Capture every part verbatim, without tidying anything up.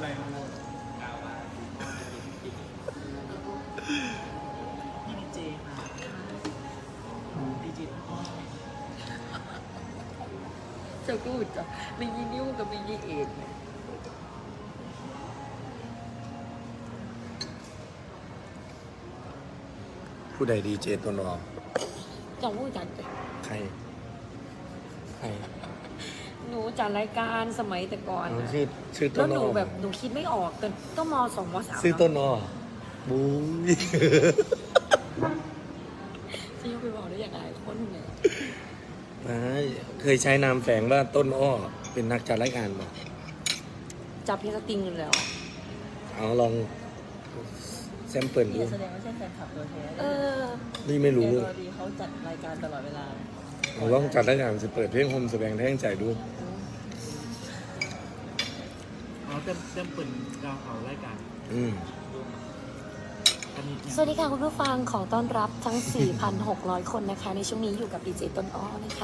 มาหมดนี่ดีเจค่ะดีเจพ่อเจ้ากูจ้ะมียี่นิ้วกับมียี่เอ็ดผู้ใดดีเจตัวนอเจ้ากูจัดใครใครหนูจัดรายการสมัยแต่ก่อนอ๋อน่ะชื่อชื่อตัแล้ว วน หอนูแบบหนูคิดไม่ออกแต่ต้องมสองมสามชื่อต้นนอบูยจะยกไปบอกได้ยังไงคนเนี่ยไม่เคยใช้นามแฝงว่าต้นอ้อเป็นนักจัดรายการบอกจับเพลงสตริงอยู่แล้วเอาลองแซมเปิลดูแสดงว่าใช่แฟนคลับตัวแท้เออนี่ไม่รู้เอดีเขาจัดรายการตลอดเวลาเอาลองจัดรายการสิเปิดเพลงโฮมแสดงแท่งใจดูอ๋อเต็มเต็มเปิดดาวเขารายการอืมสวัสดีค่ะคุณผู้ฟังขอต้อนรับทั้ง สี่พันหกร้อย คนนะคะ ในช่วงนี้อยู่กับดีเจต้นอ้อนะคะ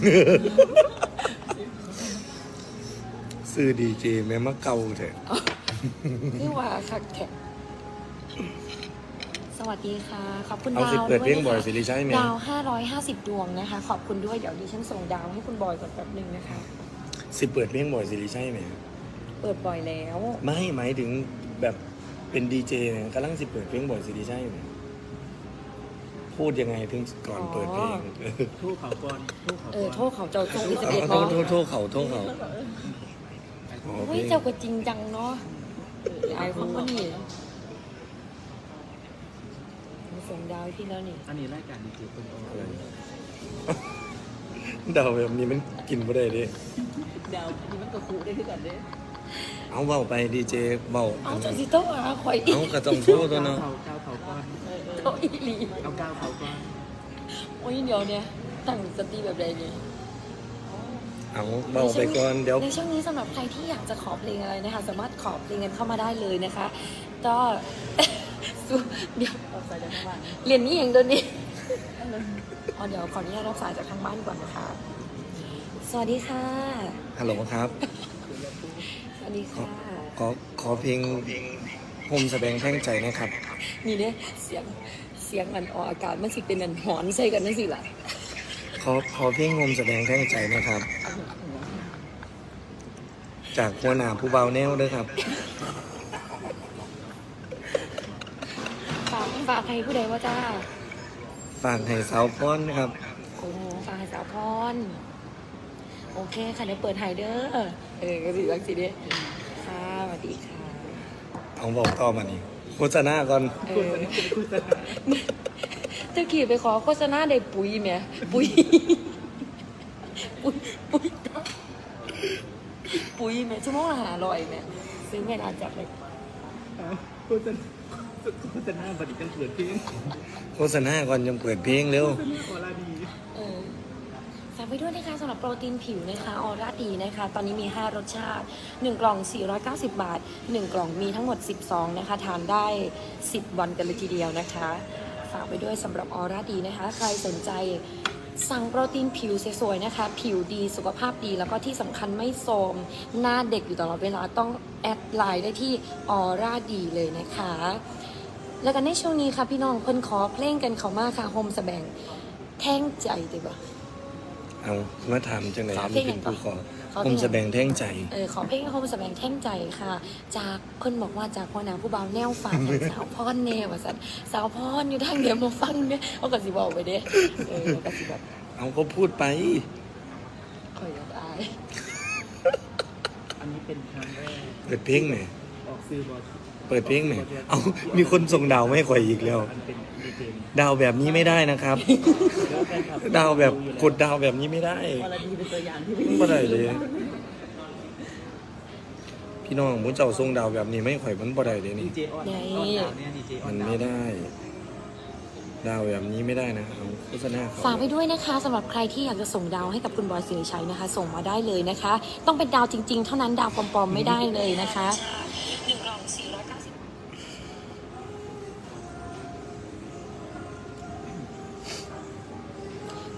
ซื้อดีเจแม่มะเกาเถอะนี่ว่าคักแท็กสวัสดีค่ะ ขอบคุณเอาดาวสิเปิดเพลงบ่อยนะคะสิริชัยไหมดาว ห้าร้อยห้าสิบ ดวงนะคะ ขอบคุณด้วยเดี๋ยวดิฉันส่งดาวให้คุณบอยก่อนแป๊บหนึ่งนะคะสิเปิดเพลงบ่อยสิริชัยไหมเปิดบ่อยแล้วไม่หมายถึงแบบเป็นดีเจเนี่ยกำลังสิเปิดเพลงบ่อยสิริชัยไหมพูดยังไงถึงก่อนเปิดเพลงทู่เขาก่อนทู่เขาเอก่ออนโทษเขาเจ้าทรงอิสเอาเอ็ดโทบอษโทษโทษเขาโทษเขาอ๋อเฮ้ยเพลงเจ้าก็จริงจังเนาะไอ้ของมันนี่มาส่งดาวให้พี่แล้วนี่อันนี้รายการดีเจเป็นโออะไรเดาแบบนี้มันกินไม่ได้ดิดาวอันนี้มันกระคุได้ที่กันเด้เอาเบาไปดีเจเบาเอาจนสิโต้อาข่อยอีกเอากระต้องโทษตัวเนาะเขาก้าวเขาก่อนโต้อีหลีเอาก้าวเขาก่อนโอ้ยเดี๋ยวเนี่ยตั้งสติแบบใดเนี่ยเอาเบาไปก่อนเดี๋ยวในช่วงนี้สำหรับใครที่อยากจะขอเพลงอะไรนะคะ สามารถขอเพลงกันเข้ามาได้เลยนะคะ ก็ สู้เดี๋ยวเอาใส่จากข้างล่างเรียนนี่เองเดี๋ยวนี้อ๋อเดี๋ยวขออนุญาตรับสายจากทางบ้านก่อนนะคะ สวัสดีค่ะฮัลโหลครับสวัสดีค่ะขอขอเพลงโฮมแสดงแท่งใจนะครับนี่เนี่ยเสียงเสียงอันออกอากาศมันสิเป็นอันหอนใส่กันนั่นสิล่ะขอขอเพลงโฮมแสดงแท่งใจนะครับ จากหัวหน้าผู้เบาแนวด้วยครับฝากฝากใครผู้ใดว่าจ้าฝากให้สาวพ้อนนะครับโอ้โหฝากให้สาวพรโอเคค่ะเดี๋ยวเปิดไฮเดอร์เออก็สิรักสิเด้ค่ะสวัสดีค่ะเอาบอกต่อมานี่โฆษณาก่อนเออตะกี้ไปขอโฆษณาได้ปุ๋ยไหมปุ๋ย ปุ๋ยปุ๋ยปุ๋ยไหมชั่วโมงละหาร้อยไหมซื้อไม่นานจับเลยพูดจะพูดจะหน้าบัดนี้กันเกิดขึ้นโฆษณาก่อนยังเปิดเพลงเร็วโอลาดีเออฝากไปด้วยนะคะสำหรับโปรตีนผิวนะคะออร่าดีนะคะ ตอนนี้มี ห้ารสชาติ หนึ่ง กล่อง สี่ร้อยเก้าสิบ บาท หนึ่ง กล่องมีทั้งหมด สิบซองนะคะ ทานได้ สิบ วันกันเลยทีเดียวนะคะ ฝากไปด้วยสำหรับออร่าดีนะคะ ใครสนใจสั่งโปรตีนผิวสวยๆนะคะ ผิวดีสุขภาพดีแล้วก็ที่สำคัญไม่โทรมหน้าเด็กอยู่ตลอดเวลาต้องแอดไลน์ได้ที่ออร่าดีเลยนะคะ แล้วกันในช่วงนี้ค่ะพี่น้องเพิ่นขอเพลงกันเขามาค่ะโฮมสแบงแท่งใจดีป่ะเอามาถามจังไหนขอเพลที่งเป็นผู้ขอขอเพผลงมแสดงแท่งใจเออขอเพลงโฮมสแบงแท่งใจค่ะ จากเพิ่นบอกว่าจากพ่อนาผู้บ่าวแนวฝากให้สาวพรแนวว่าซั่นสาวพรอยู่ทางเดียวมาฟังเนี่ยเอาก็สิบอกไปเด้เออก็สิแบบเอาก็พูดไปข่อยอยากอายอันนี้เป็นครั้งแรกเปิดเพลงไหนออกซื้อบอลเปิดเพลงไหนเอามีคนส่งดาวไม่ข่อยอีกแล้วอันเป็นดีเจดาวแบบนี้ไม่ได้นะครับแล้วแฟนคลับดาวแบบกดดาวแบบนี้ไม่ได้โอลาดีเป็นตัวอย่างที่ไม่ได้เลย พี่น้องมุ้เจ้าส่งดาวแบบนี้ไม่ข่อยมันบ่ได้เลยดีนี่เจออนออนดาวเนี่ยดีเจออมัน นดาวไม่ได้ ดาวแบบนี้ไม่ได้นะเอาโฆษณาเขาฝากไปด้วยนะคะสำหรับใครที่อยากจะส่งดาวให้กับคุณบอยสิริชัยนะคะ ส่งมาได้เลยนะคะ ต้องเป็นดาวจริง ๆ เท่านั้นดาวปลอมๆไม่ได้เลยนะคะหนึ่งกล่องสี่ร้อยเก้าสิบ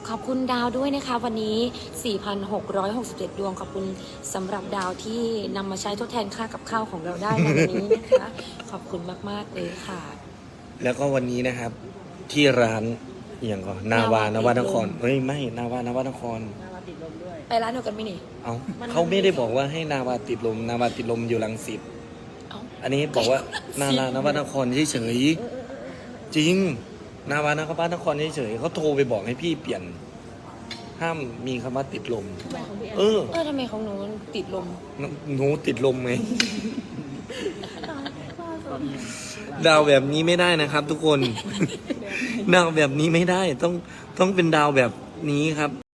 ขอบคุณดาวด้วยนะคะ วันนี้ สี่พันหกร้อยหกสิบเจ็ด ดวงขอบคุณสำหรับดาวที่นำมาใช้ทดแทนค่ากับข้าวของเราได้ในวันนี้นะคะ ขอบคุณมากๆเลยค่ะแล้วก็วันนี้นะครับ ที่ร้านอหย่างก่อนนาวานวานครเฮ้ยไม่นาวานวานครไปร้านเดียวกันไหมนี่เอามันเขาไม่ได้บอกว่าให้นาวาติดลม นาวาติดลมอยู่รังสิตเอ้าอันนี้บอกว่า นาลานวานครเฉยๆจริง นาวานครเฉยๆเขาโทรไปบอกให้พี่เปลี่ยน ห้ามมีคำว่าติดลม เออเออทำไมของหนูติดลมหนูติดลมไหม ดาวแบบนี้ไม่ได้นะครับ ทุกคน ดาวแบบนี้ไม่ได้ต้องต้องเป็นดาวแบบนี้ครับ